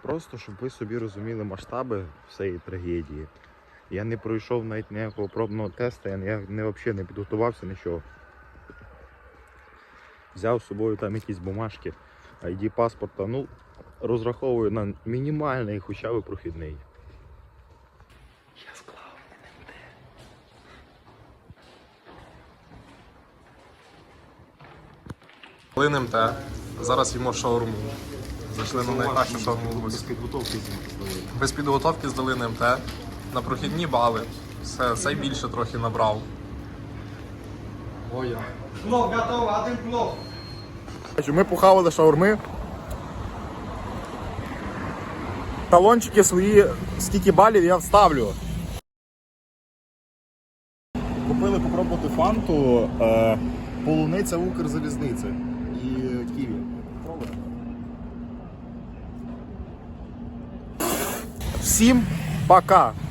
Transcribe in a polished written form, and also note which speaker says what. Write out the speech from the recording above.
Speaker 1: Просто, щоб ви собі розуміли масштаби всієї трагедії. Я не пройшов навіть ніякого пробного тесту, я взагалі не підготувався, нічого. Взяв з собою там якісь бумажки, ID паспорта, ну, розраховую на мінімальний, хоча б прохідний. Я склав НМТ.
Speaker 2: НМТ. Зараз їмо шаурму. Зайшли на найкращу шаурму в Луцьку.
Speaker 1: Без підготовки здали.
Speaker 2: Без підготовки здали НМТ. На прохідні бали. Все, цей більше трохи набрав. Ой,
Speaker 3: Плов готово, один плов.
Speaker 1: Ми похавали шаурми. Талончики свої, скільки балів я вставлю. Купили попробувати фанту, полуниця Укрзалізниці і ківі. Всім пока!